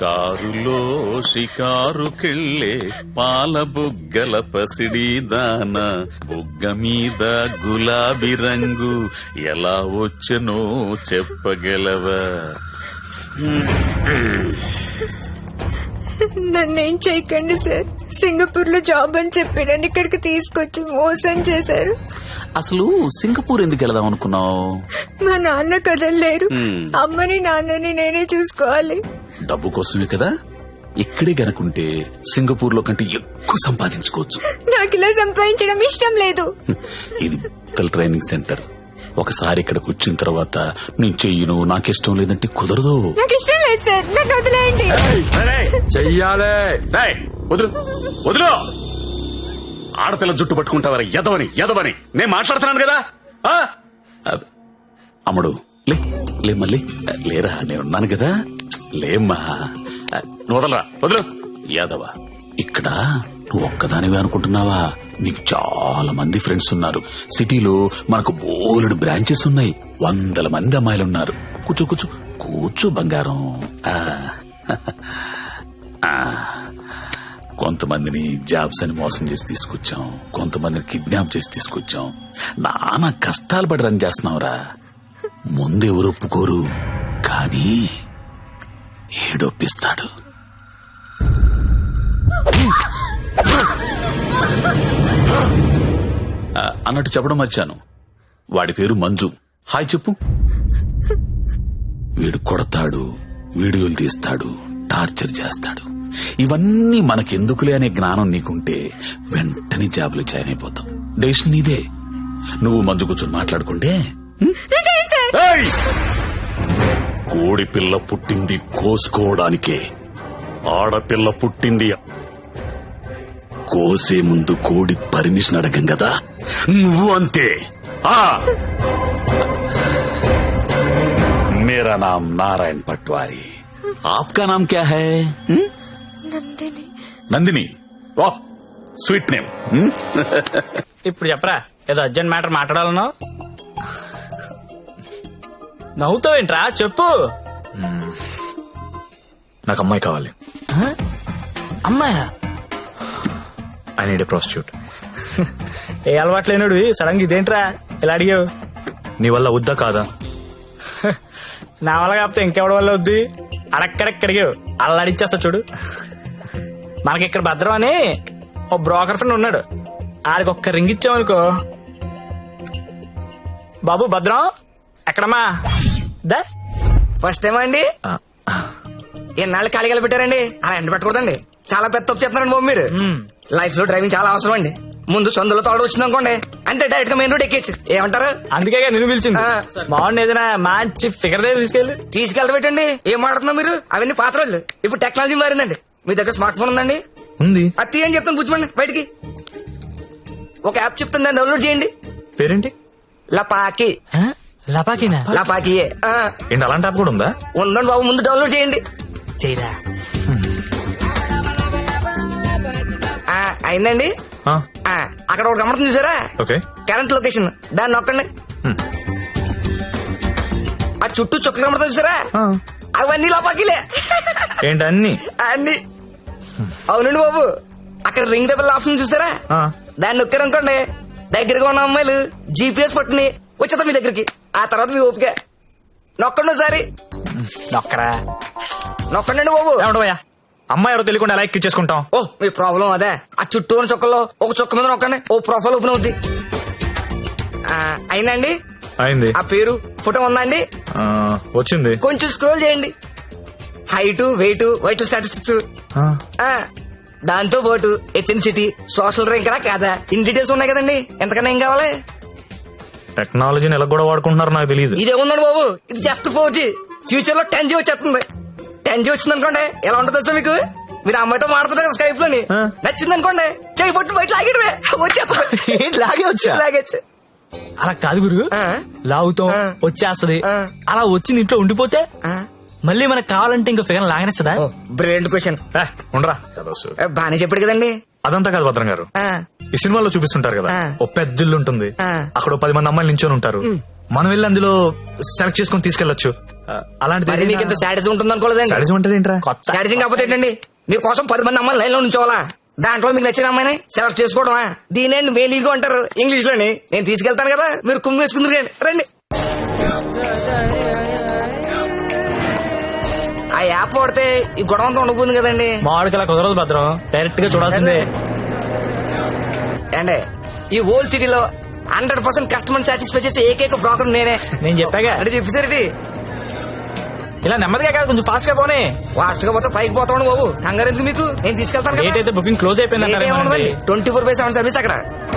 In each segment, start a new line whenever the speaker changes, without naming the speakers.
కారులో షికారుకెళ్ళే పాల బుగ్గల పసిడి దాన బుగ్గ మీద గులాబీ రంగు ఎలా వచ్చనో చెప్పగలవా?
నన్నేం చేయకండి సార్. సింగపూర్ లో జాబ్ అని చెప్పి నన్ను ఇక్కడికి తీసుకొచ్చి మోసం చేశారు.
అసలు సింగపూర్ ఎందుకు వెళదాం అనుకున్నావు?
మా నాన్న కదలలేరు. అమ్మని నాన్నని నేనే చూసుకోవాలి.
డబ్బు కోసమే కదా. ఇక్కడే గనుకుంటే సింగపూర్ లో కంటే ఎక్కువ సంపాదించుకోవచ్చు.
నాకు ఇలా సంపాదించడం ఇష్టం లేదు.
ఇది ట్రైనింగ్ సెంటర్. ఒకసారి ఇక్కడికి వచ్చిన తర్వాత నేను చెయ్యను, నాకిష్టం లేదంటే కుదరదు.
నాకు ఇష్టం లేదు సార్, నన్ను వదిలేయండి.
చెయ్యాలే.
వదులు వదులు. ఆడపిల్ల జుట్టు పట్టుకుంటావరా? ఎదవని నేను మాట్లాడుతున్నాను కదా. అమ్ముడు లే మళ్ళీ లేరా, నేనున్నాను కదా. లేమ్మా, వదలరా, వదులు. యాదవ, ఇక్కడ నువ్వు ఒక్కదానివే అనుకుంటున్నావా? నీకు చాలా మంది ఫ్రెండ్స్ ఉన్నారు. సిటీలో మనకు బోలెడు బ్రాంచెస్ ఉన్నాయి. 100 మంది అమ్మాయిలున్నారు. కూర్చో కూర్చో కూర్చో బంగారం. కొంతమందిని జాబ్స్ అని మోసం చేసి తీసుకొచ్చాం, కొంతమందిని కిడ్నాప్ చేసి తీసుకొచ్చాం. నానా కష్టాలు పడి రన్ చేస్తున్నావురా. ముందెవరు ఒప్పుకోరు, కానీ ఏడొప్పిస్తాడు. అన్నట్టు చెప్పడం మర్చాను, వాడి పేరు మంజు. హాయ్ చెప్పు. వీడు కొడతాడు, వీడియోలు తీస్తాడు, టార్చర్ చేస్తాడు. ఇవన్నీ మనకెందుకులే అనే జ్ఞానం నీకుంటే వెంటనే జాబులు జాయిన్ అయిపోతాం. డెసిషన్ నీదే. నువ్వు మంజు కూర్చొని మాట్లాడుకుంటే. కోడి పిల్ల పుట్టింది కోసుకోవడానికే, ఆడపిల్ల పుట్టింది కోసే ముందు కోడి పర్మిషన్ అడగం కదా. నువ్వు అంతే. मेरा नाम नारायण पटवारी, आपका नाम क्या है?
నందిని.
నందిని, వాహ్ స్వీట్ నేమ్.
ఇప్పుడు చెప్పరా, ఏదో అర్జెంట్ మ్యాటర్ మాట్లాడాలనో. నవ్వుతావేంట్రా, చెప్పు.
నాకు అమ్మాయి కావాలి.
అమ్మాయా?
I need a prostitute.
ఏ అలవాట్లేనుడు సడన్ గా ఇదేంట్రా ఇలా అడిగావు?
నీ వల్ల వద్దా కాదా?
నా వల్ల కాకపోతే ఇంకెవడి వల్ల వద్దు. అడక్కడక్కడిగావు, అల్లాడిచ్చేస్తా చూడు. మనకి ఇక్కడ భద్రం అని ఓ బ్రోకర్ ఫ్రెండ్ ఉన్నాడు. ఆడికి ఒక్క రింగ్ ఇచ్చామనుకో. బాబు భద్రం ఎక్కడమ్మా? దా.
ఫస్ట్ టైం అండి. ఎన్నాళ్ళు ఖాళీగా పెట్టారండి, అలా ఎండ పెట్టకూడదండి. చాలా పెద్ద తప్పు చేస్తున్నారండి బాబు మీరు. లైఫ్ లో డ్రైవింగ్ చాలా అవసరం అండి. ముందు సొందులో తోడు వచ్చింది అనుకోండి, అంటే డైరెక్ట్ గా మెయిన్ రోడ్ ఎక్కేచ్చు. ఏమంటారు?
అందుకే నిన్ను పిలిచింది. బాగుంది, ఏదైనా మంచి ఫిగర్ దగ్గర
తీసుకెళ్ళబెట్టండి. ఏం మాట్లాడుతున్నా మీరు? అవన్నీ పాత రోజులు. ఇప్పుడు టెక్నాలజీ మారిందండి. మీ దగ్గర స్మార్ట్ ఫోన్ ఉందండి?
ఉంది.
అది తీయండి, చెప్తాను బుజ్జిమండి బయటికి. ఒక యాప్ చెప్తాను, దాన్ని డౌన్లోడ్ చేయండి.
పేరేంటి?
లపాకి.
లపాకినా?
లపాకియే.
ఏంటి అలాంటి యాప్ కూడా ఉందా?
ఉందండి బాబు, ముందు డౌన్లోడ్ చేయండి.
చేయరా.
అయిందండి. అక్కడ ఒకటి గమనం చూసారా?
ఓకే.
కరెంట్ లొకేషన్, దాన్ని నొక్కండి. ఆ చుట్టూ చుక్కలు కమడతా చూసారా? అవన్నీ లోపాకిలే.
ఏంటి అన్ని?
అన్ని. అవునండి బాబు, అక్కడ రింగ్ ద బెల్ ఆప్షన్ చూసారా? దాన్ని నొక్కారనుకోండి, దగ్గరగా ఉన్న అమ్మాయిలు జీపీఎస్ పట్టుని వచ్చేద్దాం మీ దగ్గరికి. ఆ తర్వాత మీ ఓపిక. నొక్కండి ఒకసారి.
నొక్కరా.
నొక్కండి బాబు.
ఏమంటావయ్యా, అమ్మాయి ఎవరో తెలియకుండా ఎలా ఎక్కించేసుకుంటాం?
ఓ మీ ప్రాబ్లం అదే. ఆ చుట్టూ ఉన్న చుక్కల్లో ఒక చుక్క మీద నొక్కండి, ఓ ప్రొఫైల్ ఓపెన్ అవుద్ది. అయిందండి?
అయింది.
ఆ పేరు ఫోటో ఉందా అండి?
వచ్చింది.
కొంచెం స్క్రోల్ చేయండి. హైట్, వెయిట్, వైటల్ స్టాటిస్టిక్స్, దాంతో పాటు ఎథెన్సిటీ, సోషల్ ర్యాంక్ కాదా, ఇన్ డీటెయిల్స్ ఉన్నాయి కదండి. ఎంతకన్నా ఏం కావాలి?
టెక్నాలజీని ఎలా కూడా వాడుకుంటున్నారో నాకు తెలియదు.
ఇదే ఉందండి బాబు, ఇది జస్ట్ 4G. ఫ్యూచర్ లో 10G వచ్చేస్తుంది. 10G వచ్చింది అనుకోండి, ఎలా ఉంటుంది సార్ మీకు? మీరు అమ్మాయితో మాడుతున్నారు స్కైప్ లోని, నచ్చింది అనుకోండి, చేయి పట్టు బయట లాగేయడమే, వచ్చేస్తుంది.
లాగే వచ్చా?
లాగేచ్చు.
అలా కాదు గురు, లాగుతాం వచ్చేస్తది. అలా వచ్చింది ఇంట్లో ఉండిపోతే మళ్ళీ మనకు కావాలంటే ఇంకా ఫిగర్ లాగనేస్తుందా?
Brilliant question.
ఉండరా,
బానే చెప్పాడు కదండి.
అదంతా కాదు భద్రం గారు, ఈ సినిమాలో చూపిస్తుంటారు కదా, ఓ పెద్ద ఇల్లు ఉంటుంది, అక్కడ 10 మంది అమ్మాయిలు నించొని ఉంటారు. మనం వెళ్ళి అందులో సెలెక్ట్ చేసుకుని తీసుకెళ్లొచ్చు. అలాంటిది
మరి మీకు ఇంత శాడిజం ఉంటుంది అనుకోలేదండి.
సాడిజం అంటే ఏంట్రా?
కొత్త
శాడిజం కాకపోతే ఏంటండి, మీకోసం 10 మంది అమ్మాయిలు లైన్ లో ఉంచోవాలా? దాంట్లో మీకు నచ్చిన అమ్మాయిని సెలెక్ట్ చేసుకోవడమా? దీనేండి మేలీగో అంటారు ఇంగ్లీష్ లోని. నేను తీసుకెళ్తాను కదా, మీరు కుమ్మి వేసుకుందరు రండి. ఆ యాప్ వాడితే ఈ గొడవ అంతా ఉండబోతుంది కదండి.
మామిడికి అలా కుదరదు భద్రం, డైరెక్ట్ గా చూడాల్సిందే.
అండి ఈ ఓల్డ్ సిటీలో 100% కస్టమర్ సాటిస్ఫై చేసే ఏకైక బ్రోకర్ నేనే.
నేను చెప్పాగా
అంటే చెప్పేసరికి
ఇలా నెమ్మదిగా కాదు, కొంచెం ఫాస్ట్ గా పోనీ.
ఫాస్ట్ గా పోతే పైకి పోతాను బాబు, కంగారు ఎందుకు మీకు, నేను తీసుకెళ్తాను
డేట్ అయితే బుకింగ్ క్లోజ్ అయిపోయింది
24/7 సర్వీస్ అక్కడ.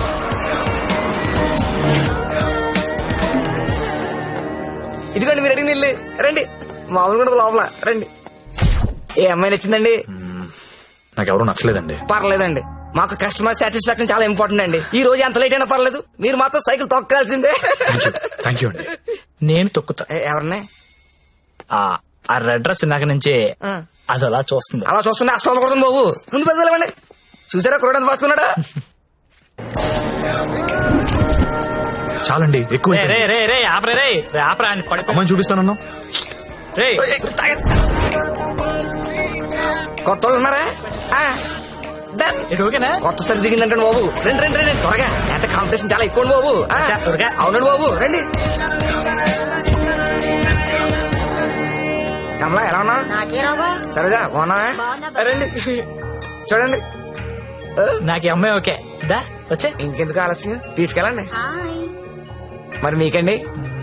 ఇదిగోండి మీరు అడిగిన ఇల్లు, రండి. మామూలు కూడా లోపల రండి. ఏ అమ్మాయి నచ్చిందండి?
నాకు ఎవరు నచ్చలేదండి.
పర్లేదండి, మాకు కస్టమర్ సాటిస్ఫాక్షన్ చాలా ఇంపార్టెంట్ అండి. ఈ రోజు ఎంత లేట్ అయినా పర్లేదు, మీరు మాత్రం సైకిల్ తొక్కాల్సిందే.
థ్యాంక్ యూ అండి.
నేను తొక్కుతా.
ఎవరిని?
ఆ రెడ్ డ్రెస్ ఇందాక నుంచి అది అలా చూస్తుంది.
అలా చూస్తున్నా అసలు కొడుతుంది బాబు, ముందు పెద్దలేమండి. చూసారా కురడానికి పాసుకున్నాడా?
చాలండి, ఎక్కువ
రే రే రే రే ఆపరే రే రే ఆపరా అని పడి
అమ్మని చూపిస్తానన్నా.
రే
కొత్త వాళ్ళు ఉన్నారా? Done.
ఇది ఓకేనా?
కొత్త సరి దిగిందంటే బాబు, రండి రండి రండి త్వరగా. ఎంత కాంపిటీషన్ చాలా ఎక్కువ బాబు.
త్వరగా.
అవునండి బాబు, రండి. కమలా ఎలా ఉన్నా? సరేగా బాగున్నా? రండి చూడండి.
నాకు ఈ అమ్మాయి ఓకే. దా వచ్చే.
ఇంకెందుకు ఆలస్యం, తీసుకెళ్ళండి. మరి మీకండి?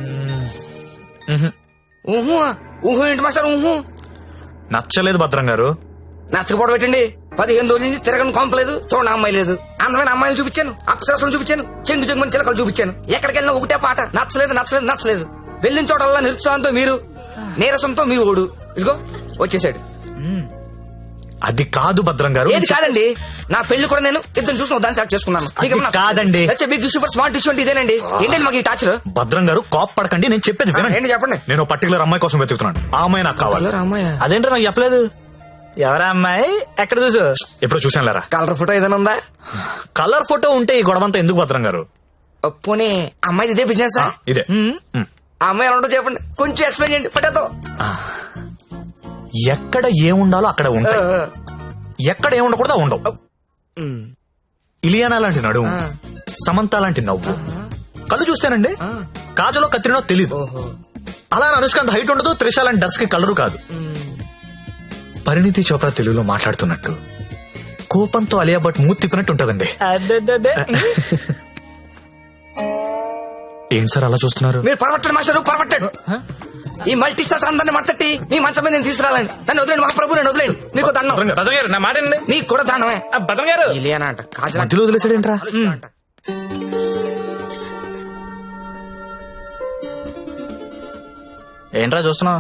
ఊహు ఊహు ఏంటి మాస్టర్? ఊహు
నచ్చలేదు భద్రం గారు.
నచ్చకపోవడం పెట్టండి. 15 రోజుల నుంచి తిరగని కొంపలేదు, చూడండి అమ్మాయి లేదు. అందమైన అమ్మాయిలు చూపించాను, అప్సరసలు చూపించాను, చెంగు చెంగుని చిలకలు చూపించాను. ఎక్కడికి వెళ్ళినా ఒకటే పాట, నచ్చలేదు నచ్చలేదు నచ్చలేదు. వెళ్ళిన చోటల్లా నిరుత్సాహంతో మీరు, నీరసంతో మీ ఓడు. ఇదిగో వచ్చేసాడు.
అది కాదు భద్రం గారు.
ఏది కాదండి, నా పెళ్లి కూడా నేను ఇద్దరు చూసిన దాన్ని సెలెక్ట్ చేసుకున్నాను.
అది కాదండి.
బిగ్ సూపర్ స్మార్ట్ ఇష్యూ అంటే ఇదేనండి. ఏంటండి మాకు ఈ టాచర్?
భద్రం గారు కాప్ పడకండి, నేను చెప్పేది వినండి.
ఏంటి చెప్పండి.
నేను పర్టికులర్ అమ్మాయి కోసం వెతుకుతున్నాను. ఆ అమ్మాయి నాకు కావాలి.
రామయ్య
అదేంటో నాకు చెప్పలేదు. ఎవరా అమ్మాయి? ఎక్కడ చూసు?
ఎప్పుడు చూసాను లేరా.
కలర్ ఫోటో ఏదైనా ఉందా?
కలర్ ఫోటో ఉంటే ఈ గొడవంతా ఎందుకు భద్రం గారు?
పోనీ అమ్మాయి ఇదే బిజినెస్?
ఇదే.
ఆ అమ్మాయి ఎలా ఉంటుందో చెప్పండి, కొంచెం ఎక్స్ప్లెయిన్ చేయండి ఫోటోతో.
ఎక్కడ ఏముండాలో అక్కడ ఉంటాయి, ఎక్కడ ఏముండకూడదు ఉండవు. ఇలియానా లాంటి నడుము, సమంత లాంటి నవ్వు, కళ్ళు చూస్తేనండి కాజలో కత్తిరినో తెలీదు. అలా అనుష్కాంత్ హైట్ ఉండదు, త్రిష లాంటి డ్రెస్ కి కలరు కాదు. పరిణితి చోప్రా తెలుగులో మాట్లాడుతున్నట్టు, కోపంతో అలియా భట్ మూతి తిప్పినట్టు ఉంటదండి. ఏం సార్ అలా చూస్తున్నారు?
మీరు పరమట్టండి మాస్టర్, పరమట్టండి. ఈ మల్టీ స్టార్స్ అందరిని మట్టట్టి మీ మంచం మీద నేను తీసుకురాలండి. నన్ను వదిలేండి మహాప్రభు, నేను వదిలేండి. మీకు దండం.
భద్రం గారు నా మాట వినండి.
నీకు కూడా దండమే.
భద్రం గారు
ఇలియానా అంట, కాజల్
మధ్యలో వదిలేసాడేంట్రా?
అంట.
ఏంట్రా చూస్తున్నావు?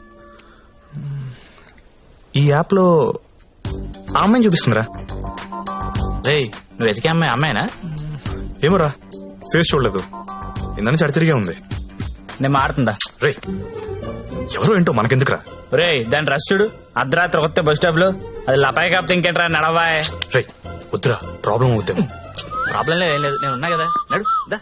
ఈ యాప్ లో ఆ అమ్మాయిని చూపిస్తుందిరా.
రే నువ్వు వెతికే అమ్మాయి అమ్మాయినా?
ఏమోరా, ఫేస్ చూడలేదు, ఇందని చడితిరిగే ఉంది.
నేను మాడుతుందా?
రే ఎవరో ఏంటో మనకెందుకురా.
రే దాని రష్ చూడు, అర్ధరాత్రి కొత్త బస్ స్టాప్ లో. అది లపాయి కాపుతే ఇంకేంట్రా నడవాయ్.
రే వద్దురా, ప్రాబ్లం అవుతాము.
ప్రాబ్లం లేదు, ఏం లేదు, నేను ఉన్నా కదా. నడు దా.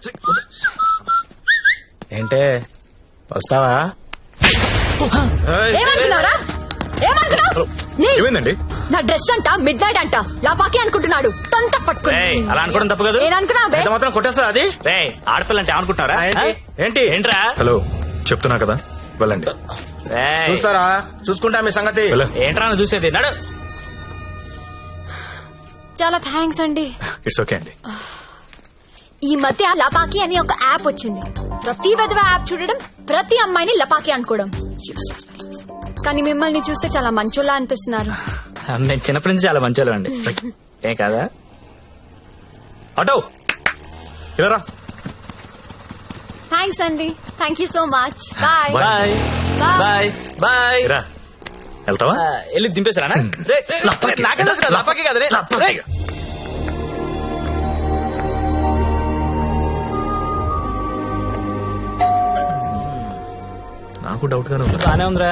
ఏంటే వస్తావా?
ఏమనుకున్నారా? ఏమనుకున్నావు?
ఏమైందండి?
నా డ్రెస్ అంట మిడ్ నైట్ అంట లపాకి అనుకుంటున్నాడు. తొంత పట్టుకుని
రేయ్, అలా అనుకోవడం తప్పు కదా.
నేననుకున్నా
ఎంత మాత్రం కొట్టేస్తా అది?
రే ఆడపిల్ల అంటే ఏమనుకుంటున్నారా?
ఏంటి
ఏంట్రా?
హలో చెప్తున్నా కదా, వెళ్ళండి.
రేయ్,
చూస్తారా? చూసుకుంటా మీ సంగతి.
వెళ్ళ.
ఏంట్రా నువ్వు చూసేది? నడు.
చాలా థ్యాంక్స్ అండి.
ఇట్స్ ఓకే అండి.
ఈ మధ్య లపాకి అని ఒక యాప్ వచ్చింది. ప్రతి విధవ యాప్ చూడడం, ప్రతి అమ్మాయిని లపాకి అనుకోవడం. కానీ మిమ్మల్ని చూస్తే చాలా మంచోళ్ళ అనిపిస్తున్నారు.
నేను చిన్నప్పటి నుంచి చాలా మంచి అండి. ఏం కాదా?
అటో ఇలా
థ్యాంక్స్ అండి. Thank you so much. Bye
bye bye bye.
రా. వెళ్తావా?
వెళ్ళి దింపేశారా? నాకే తెలుసు కదా, లపాకి కదా. రే
నాకు డౌట్ గానే ఉంది.
బానే ఉందిరా.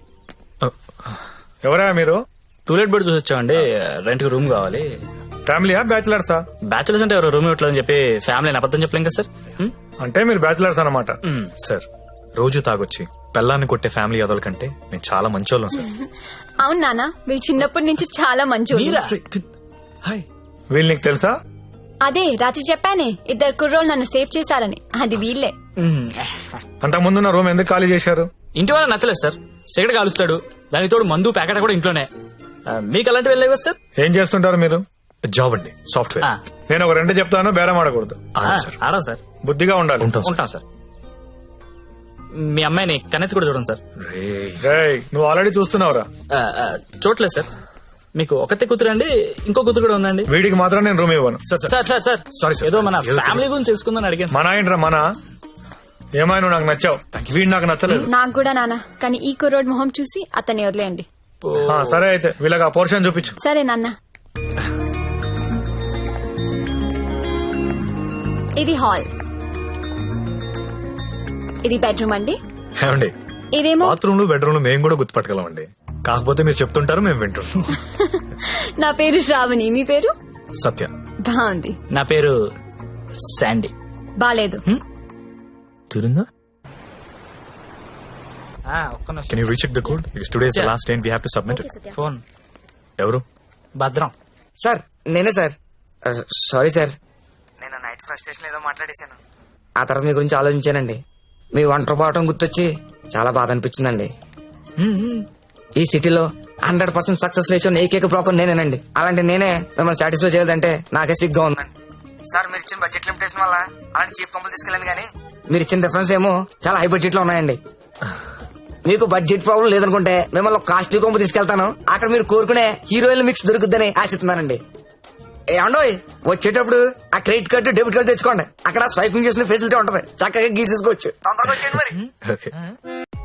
ఎవరా మీరు?
టూలెట్ బెడ్ చూసి వచ్చామండి. రెంట్ కి రూమ్ కావాలి.
ఫ్యామిలీయా బ్యాచిలర్సా?
బ్యాచులర్స్ అంటే ఎవరు రూమ్ ఇవ్వట్లేదని చెప్పి ఫ్యామిలీ అబద్ధం చెప్పలేం కదా సార్.
అంటే మీరు బ్యాచిలర్స్ అన్నమాట. సార్ రోజు తాగొచ్చి పెళ్ళాన్ని కొట్టే ఫ్యామిలీ అదల కంటే నేను చాలా మంచోళ్ళం సార్.
అవును నాన్న మీరు చిన్నప్పటి నుంచి చాలా మంచి
మీరా?
హాయ్, వీళ్ళు నీకు తెలుసా?
అదే రాత్రి చెప్పానే 2 కుర్రోళ్ళు నన్ను సేవ్ చేశారని అది వీళ్ళే.
అంతకుముందు నా రూమ్ ఎందుకు ఖాళీ చేశారు?
ఇంటి వాళ్ళ నచ్చలేదు సార్. సిగరెట్ కాలుస్తాడు, దానికి తోడు మందు ప్యాకెట్ కూడా ఇంట్లోనే. మీకు అలాంటివి వెళ్ళలేవు కదా సార్?
ఏం చేస్తుంటారు మీరు? జాబ్ అండి, సాఫ్ట్వేర్.
ఆ.
నేను ఒక 2 చెప్తాను, బేరం ఆడకూడదు.
ఆడం సార్.
బుద్ధిగా ఉండాలి.
ఉంటాం సార్. మీ అమ్మాయిని కన్నెత్తి కూడా చూడండి సార్.
రేయ్, నువ్వు ఆల్రెడీ చూస్తున్నావురా.
చూడలేదు సార్. మీకు ఒకతే కూతురు అండి, ఇంకో కూతురు కూడా ఉందండి.
వీడికి మాత్రం నేను రూమ్ ఇవ్వను.
Sir
Sorry, sir.
ఏదో మన ఫ్యామిలీ గురించి తెలుసుకుందని అడిగాను.
మన ఏంట్రా మన? ఏమైనా నువ్వు నాకు నచ్చావు, వీడు నాకు నచ్చలేదు.
నాకు కూడా నాన్న, కానీ ఈ కుర్రోడ్ మొహం చూసి అతన్ని వదిలేయండి.
సరే అయితే వీళ్ళకి ఆ పోర్షన్ చూపించు.
సరే నాన్న. ఇది హాల్, ఇది బెడ్రూమ్ అండి.
ఏమండి,
ఇదేమో
బాత్రూమ్ లో బెడ్రూమ్ లో మేము కూడా గుర్తుపట్టగలం అండి. కాకపోతే మీరు చెప్తుంటారు, మేము వింటుంటాం.
నా పేరు శ్రావణి, మీ పేరు?
సత్య.
బాగుంది.
నా పేరు శాండీ.
బాలేదు.
తిరుందా?
ఒక్క నిమిషం.
Can you recheck the code? Because today is the
Yeah.
last day and we have to submit it.
Phone
ఎవరు?
భద్రం.
సార్ నేనే సార్. సారీ సార్, నేను నైట్ ఫ్రస్ట్రేషన్ ఏదో మాట్లాడేశాను. ఆ తర్వాత మీ గురించి ఆలోచించానండి. మీ ఒంటరి పోవటం గుర్తొచ్చి చాలా బాధ అనిపించిందండి. ఈ సిటీలో 100% సక్సెస్ లేచిన ఏకైక బ్రోకర్ నేనేనండి. అలాంటి నేనే మిమ్మల్ని సాటిస్ఫై చేయలేదంటే నాకే సిగ్గా ఉందండి. సార్ మీరు ఇచ్చిన బడ్జెట్ లిమిటేషన్ వల్ల అలాంటి చీప్ కంపెనీ తీసుకెళ్ళాను, కానీ మీరు ఇచ్చిన రిఫరెన్స్ ఏమో చాలా హై బడ్జెట్ లో ఉన్నాయండి. మీకు బడ్జెట్ ప్రాబ్లం లేదనుకుంటే మిమ్మల్ని కాస్ట్లీ కొంపు తీసుకెళ్తాను. అక్కడ మీరు కోరుకునే హీరోయిన్ మిక్స్ దొరుకుద్దని ఆశిస్తున్నానండి. ఏమండోయ్, వచ్చేటప్పుడు ఆ క్రెడిట్ కార్డు డెబిట్ కార్డు తెచ్చుకోండి. అక్కడ స్వైపింగ్ చేసిన ఫెసిలిటీ ఉంటది, చక్కగా గీసేసుకోవచ్చు. తొందరగా వచ్చేయండి మరి.
Okay.